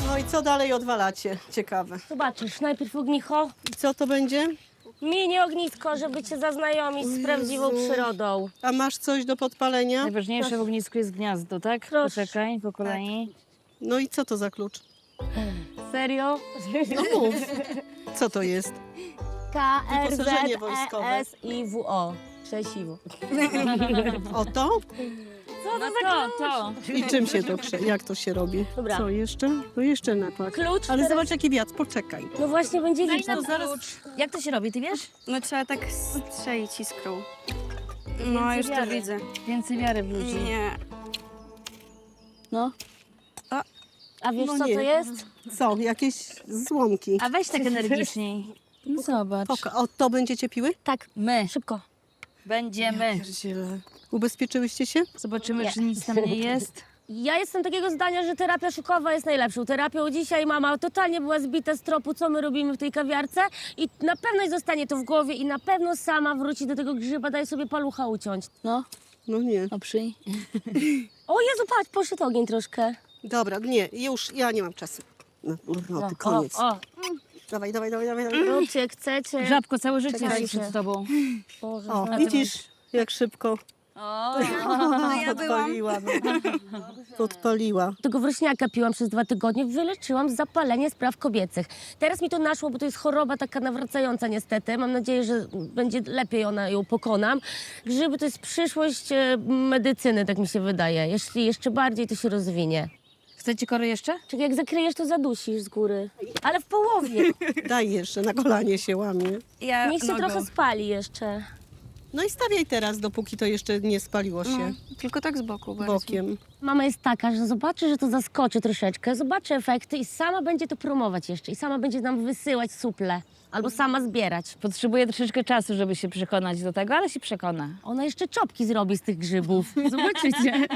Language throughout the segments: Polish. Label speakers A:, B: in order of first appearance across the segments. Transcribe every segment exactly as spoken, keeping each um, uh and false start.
A: No i co dalej odwalacie? Ciekawe.
B: Zobaczysz, najpierw ognicho,
A: I co to będzie?
B: mini ognisko, żeby cię zaznajomić z prawdziwą przyrodą.
A: A masz coś do podpalenia?
C: Najważniejsze w ognisku jest gniazdo, tak?
B: Proszę.
C: Poczekaj, po kolei.
A: No i co to za klucz?
B: Serio?
A: No mów. Co to jest?
B: K R Z
A: Wyposażenie
B: E
A: wojskowe.
B: S I W O. Krzesiwo.
A: O to?
B: Co
C: No to, to.
A: I czym się to krze... Jak to się robi?
B: Dobra.
A: Co jeszcze? No jeszcze napad.
B: Klucz
A: Ale
B: teraz-
A: zobacz jaki wiatr, poczekaj.
B: No właśnie będzie
C: Daj
B: liczba.
C: nam
A: zaraz-
C: klucz. Jak to się robi, ty wiesz?
D: No trzeba tak strzelić iskrą. No już to
C: wiary.
D: widzę.
C: Więcej wiary w ludzi.
D: Nie.
C: No.
B: A wiesz
A: No
B: co
A: nie.
B: to jest?
A: Co? Jakieś złomki.
C: A weź tak energiczniej. No zobacz.
A: Poka o to będziecie piły?
B: Tak,
C: My
B: szybko.
C: będziemy.
A: Pierdziele. Ubezpieczyłyście się?
C: Zobaczymy,
B: Nie.
C: czy nic tam nie jest.
B: Ja jestem takiego zdania, że terapia szykowa jest najlepszą terapią. Dzisiaj mama totalnie była zbita z tropu, co my robimy w tej kawiarce i na pewno jej zostanie to w głowie i na pewno sama wróci do tego grzyba, daj sobie palucha uciąć.
C: No,
A: No nie.
C: no przyj.
B: O Jezu, patrz, poszedł ogień troszkę.
A: Dobra, nie, już ja nie mam czasu. No, no ty koniec.
B: O, o,
A: Dawaj, dawaj, dawaj, dawaj. dawaj.
B: róbcie jak chcecie.
C: Żabko, całe życie
B: Czekajcie.
C: jest przed tobą.
B: Boże,
A: O,
B: zna-
A: widzisz, jak szybko
C: O,
D: No ja byłam.
A: podpaliła. No. Podpaliła.
B: Tego wrośniaka piłam przez dwa tygodnie, wyleczyłam zapalenie spraw kobiecych. Teraz mi to naszło, bo to jest choroba taka nawracająca niestety. Mam nadzieję, że będzie lepiej ona ją pokonam. Grzyby to jest przyszłość e, medycyny, tak mi się wydaje. Jeśli jeszcze bardziej to się rozwinie.
C: chcecie kory jeszcze?
B: Czekaj, jak zakryjesz, to zadusisz z góry. Ale w połowie.
A: Daj jeszcze, na kolanie się łamie.
D: Ja
B: Niech się
D: nogą.
B: trochę spali jeszcze.
A: No i stawiaj teraz, dopóki to jeszcze nie spaliło się
D: No, tylko tak z boku bardziej.
A: bokiem.
B: Mama jest taka, że zobaczy, że to zaskoczy troszeczkę, zobaczy efekty i sama będzie to promować jeszcze. I sama będzie nam wysyłać suple. Albo sama zbierać.
C: Potrzebuję troszeczkę czasu, żeby się przekonać do tego, ale się przekona.
B: Ona jeszcze czopki zrobi z tych grzybów. Zobaczycie.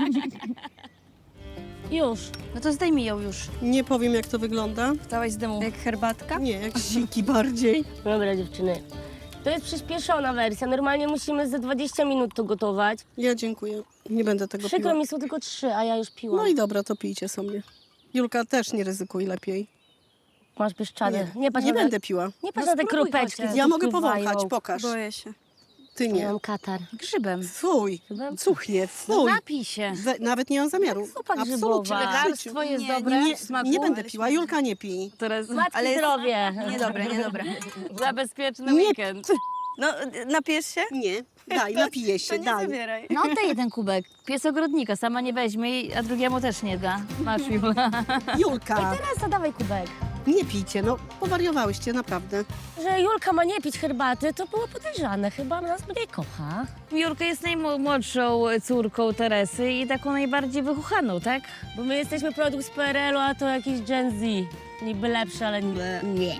B: Już.
C: No to zdejmij ją już.
A: Nie powiem, jak to wygląda.
C: Wstałaś z dymu.
D: Jak herbatka?
A: Nie, jak siki bardziej.
B: Dobra, dziewczyny. To jest przyspieszona wersja. Normalnie musimy za dwadzieścia minut to gotować.
A: Ja dziękuję. Nie będę tego
B: Przykro
A: piła.
B: mi, są tylko trzy, a ja już piłam.
A: No i dobra, to pijcie sobie. Julka, też nie ryzykuj lepiej.
B: Masz pieszczady. Nie,
A: Nie,
B: patrz
A: nie
B: na te,
A: będę piła.
B: nie patrz
C: No
B: na te
C: spróbuj
B: kropeczki.
C: chociaż.
B: co
A: Ja
B: tu
A: mogę
B: pływają.
A: powąchać, pokaż.
D: Boję się.
A: Ty
B: Ja
A: nie.
B: mam katar.
C: Grzybem.
A: Fuj,
B: Grzybem?
A: cuchnie,
C: No
A: fuj.
C: napij się.
A: We, nawet nie mam zamiaru.
B: zupa
A: Absolutnie.
B: grzybowa.
A: w życiu.
C: Lekarstwo jest
D: Nie,
C: dobre
A: Nie,
C: w smaku.
A: nie będę piła. Julka, nie pij.
C: Teraz
B: Matki
D: Ale jest-
B: zdrowie.
D: Niedobre, niedobre.
C: za bezpieczny
A: Nie.
C: weekend.
D: No, napijesz się?
A: Nie, daj, napiję
D: To
A: się,
D: nie
A: daj.
D: zabieraj.
C: No oddaj jeden kubek. Pies ogrodnika sama nie weźmie, a drugiemu też nie da. Masz Jula.
A: Julka,
B: Teraz zadawaj kubek.
A: nie pijcie, no powariowałyście, naprawdę.
B: Że Julka ma nie pić herbaty, to było podejrzane. Chyba nas mniej kocha.
C: Julka jest najmłodszą córką Teresy i taką najbardziej wychuchaną, tak?
B: Bo my jesteśmy produkt z P R L u, a to jakiś Gen Z. Niby lepszy, ale nie. nie.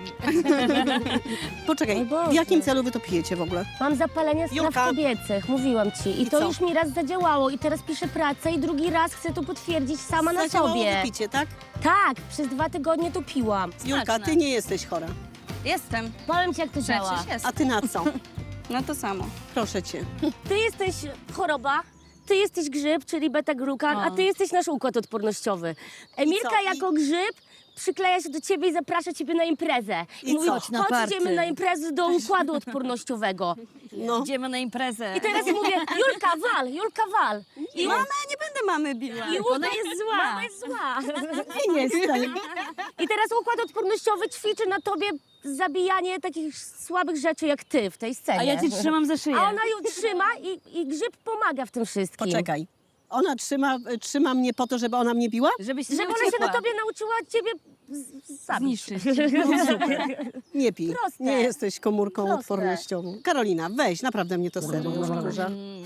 A: Poczekaj,
B: O Boże.
A: w jakim celu wy to pijecie w ogóle?
B: Mam zapalenie spraw
A: Julka.
B: kobiecych, mówiłam ci. I,
A: I
B: to
A: co?
B: już mi raz zadziałało i teraz piszę pracę i drugi raz chcę to potwierdzić sama na
A: Zadziałało
B: sobie.
A: wypicie, tak?
B: Tak, przez dwa tygodnie to piłam.
A: Julka,
C: Smaczne.
A: ty nie jesteś chora.
D: Jestem.
B: Powiem ci, jak to działa.
C: Przecież jest.
A: A ty na co?
D: No to samo.
A: Proszę cię.
B: Ty jesteś choroba, ty jesteś grzyb, czyli beta-glukan,
C: O.
B: a ty jesteś nasz układ odpornościowy. Emilka
A: co? I-
B: jako grzyb przykleja się do ciebie i zaprasza ciebie na imprezę.
A: I
B: mówi,
A: co?
B: chodź,
C: Na party.
B: idziemy na imprezę do układu odpornościowego.
A: No,
C: Idziemy na imprezę.
B: I teraz mówię, Julka, wal, Julka, wal. I
D: Mama, nie będę mamy biła.
B: I
C: Ona jest zła.
B: Mama jest zła.
A: nie jestem.
B: I teraz układ odpornościowy ćwiczy na tobie zabijanie takich słabych rzeczy jak ty w tej scenie.
C: A ja cię trzymam za szyję.
B: A ona ją trzyma i, i grzyb pomaga w tym wszystkim.
A: Poczekaj. Ona trzyma, trzyma mnie po to, żeby ona mnie biła?
C: Żebyś się
B: Żeby
C: nie
B: ona się
C: uciekła.
B: na tobie nauczyła ciebie z- z- zabić.
C: Zniszczyć.
A: Nie pij.
B: Proste.
A: Nie jesteś komórką
B: Proste.
A: odpornościową. Karolina, weź, naprawdę mnie to serio już wkurza.